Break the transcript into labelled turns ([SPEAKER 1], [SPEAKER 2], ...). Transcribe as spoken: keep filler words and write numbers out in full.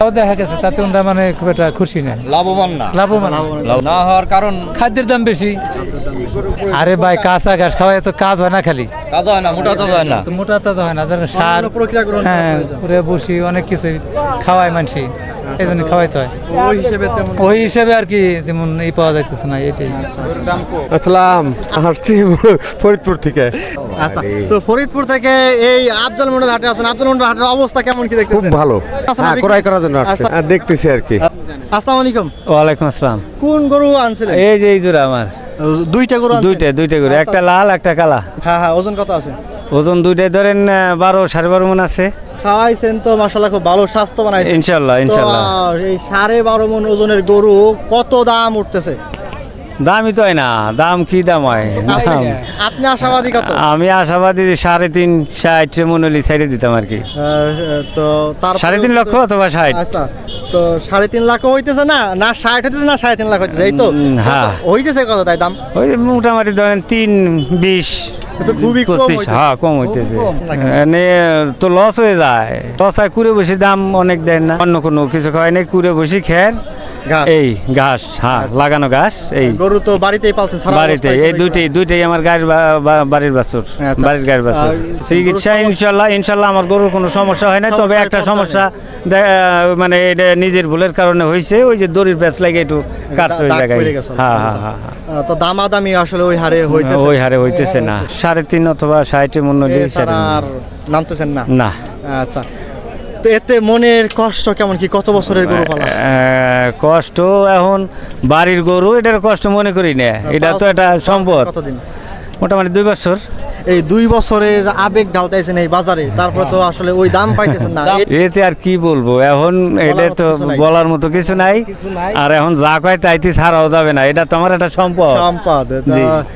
[SPEAKER 1] দেখা গেছে তাতে ওরা মানে খুব একটা খুশি না,
[SPEAKER 2] লাভবান না।
[SPEAKER 1] লাভবান
[SPEAKER 2] না হওয়ার কারণ
[SPEAKER 1] খাদ্যের দাম বেশি। আরে ভাই কাঁচা ঘাস খাওয়াই তো কাজ হয় না, খালি
[SPEAKER 2] কাজ হয় না, মোটা কাজ হয় না।
[SPEAKER 1] তো মোটা তাজা হয় না, যেন সার হ্যাঁ পুরে বসি অনেক কিছু খাওয়ায় মানুষই, এই জন্য খাওয়াইতে হয়।
[SPEAKER 3] ওই হিসেবে তেমন
[SPEAKER 1] ওই হিসাবে আর কি তেমন এই পাওয়া যাইতেছে না, এটাই।
[SPEAKER 4] আসসালাম, আসছি ফরিদপুর থেকে।
[SPEAKER 3] আচ্ছা, তো ফরিদপুর থেকে এই আফজাল মন্ডল হাটে আছেন। আফজাল মন্ডল হাটের অবস্থা কেমন কি দেখতেছেন?
[SPEAKER 4] খুব ভালো,
[SPEAKER 3] আচ্ছা,
[SPEAKER 4] হ্যাঁ, ক্রয় করার জন্য আসছে।
[SPEAKER 3] আচ্ছা।
[SPEAKER 4] হ্যাঁ, দেখতেছি আর কি।
[SPEAKER 3] আসসালামু আলাইকুম।
[SPEAKER 1] ওয়ালাইকুম আসসালাম।
[SPEAKER 3] কোন গরু আনছিলেন?
[SPEAKER 1] এই যে এই জোড়া আমার
[SPEAKER 3] দুইটা গরু আনছেন?
[SPEAKER 1] দুইটা দুইটা করে, একটা লাল একটা কালা।
[SPEAKER 3] হ্যাঁ হ্যাঁ, ওজন কত আছে?
[SPEAKER 1] ওজন দুইটাই ধরেন আহ, বারো সাড়ে বারো মন আছে
[SPEAKER 3] খাওয়াইছেন তো মাশাআল্লাহ, খুব ভালো স্বাস্থ্য বানাইছেন
[SPEAKER 1] ইনশাল্লাহ
[SPEAKER 3] তো,
[SPEAKER 1] ইনশাল্লাহ।
[SPEAKER 3] আহ, এই সাড়ে বারো মন ওজনের গরু কত দাম উঠতেছে?
[SPEAKER 1] দামই তো হয় না, দাম কি দাম হয় দাম।
[SPEAKER 3] আপনি আশাবাদী কত?
[SPEAKER 1] আমি আশাবাদী যে সাড়ে তিন ষাট মন হলে সাইডে দিতাম আর কি,
[SPEAKER 3] আহ, তো তার
[SPEAKER 1] সাড়ে তিন লক্ষ অথবা ষাট।
[SPEAKER 3] আচ্ছা, তো সাড়ে তিন লাখ হইতেছে না, না ষাট হইতেছে না সাড়ে তিন লাখ হইতেছে, এই তো
[SPEAKER 1] উম, হ্যাঁ।
[SPEAKER 3] কত হইতেছে কত তাই দাম?
[SPEAKER 1] ওই মোটামুটি ধরেন তিন বিশ
[SPEAKER 3] এ তো খুবই কম
[SPEAKER 1] পঁচিশ,
[SPEAKER 3] হইতেছে।
[SPEAKER 1] হ্যাঁ কম হইতেছে।
[SPEAKER 3] কম লাগে।
[SPEAKER 1] এনে তো লস হয়ে যায়, লস হয় কুড়ে বসে দাম অনেক দেয় না, অন্য কোনো কিছু খাওয়াই নাই, কুড়ে বসে খের
[SPEAKER 3] ঘাস।
[SPEAKER 1] এই ঘাস, হ্যাঁ লাগানো ঘাস এই
[SPEAKER 3] গরু তো বাড়িতেই পালছেন সারা
[SPEAKER 1] বাড়িতে,
[SPEAKER 3] অবস্থায়
[SPEAKER 1] এই
[SPEAKER 3] গরু
[SPEAKER 1] দুইটাই দুইটাই আমার গাড়ির বা- বা- বাড়ির বাছুর,
[SPEAKER 3] আচ্ছা।
[SPEAKER 1] বাড়ির গাড়ির বাছুর।
[SPEAKER 3] আর
[SPEAKER 1] চিকিৎসা
[SPEAKER 3] গরুর
[SPEAKER 1] ইনশাল্লাহ ইনশাল্লাহ আমার গরুর কোনো সমস্যা হয় না, তবে
[SPEAKER 3] সমস্যায়
[SPEAKER 1] একটা
[SPEAKER 3] পড়তে
[SPEAKER 1] সমস্যা দে- মানে এটা নিজের ভুলের কারণে হয়েছে, ওই যে দড়ির প্যাঁচ লাগে একটু কাটছে ওই
[SPEAKER 3] দাগ
[SPEAKER 1] জায়গায়।
[SPEAKER 3] পড়ে গেছে।
[SPEAKER 1] হ্যাঁ
[SPEAKER 3] আচ্ছা।
[SPEAKER 1] হ্যাঁ হ্যাঁ
[SPEAKER 3] আহ, তো দামাদামি আসলে ওই হারে হইতেছে,
[SPEAKER 1] ওই হারে হইতেছে না, সাড়ে তিন অথবা ষাটে মূল্য দিয়ে
[SPEAKER 3] এছাড়া আর নামতেছেন না?
[SPEAKER 1] না।
[SPEAKER 3] আচ্ছা, তো এতে মনের কষ্ট কেমন কি? কত বছরের গরু পালা?
[SPEAKER 1] আহ, কষ্ট এখন বাড়ির গরু, এটার কষ্ট মনে করি না, এটা তো একটা সম্পদ।
[SPEAKER 3] কতদিন?
[SPEAKER 1] মোটামুটি দুই বছর।
[SPEAKER 3] এই দুই বছরের আবেগ ঢালতেছেন এই বাজারে, তারপরে তো আসলে ওই দাম পাইতেছেন না। এ-
[SPEAKER 1] এতে আর কি বলবো এখন, এটা
[SPEAKER 3] মতো
[SPEAKER 1] তো
[SPEAKER 3] কিছু নাই।
[SPEAKER 1] বলার মতো কিছু নাই, আর এখন যা কয় তাইতে ছাড়াও যাবে না, এটা তো আমার একটা সম্পদ।
[SPEAKER 3] সম্পদ, তা
[SPEAKER 1] জি।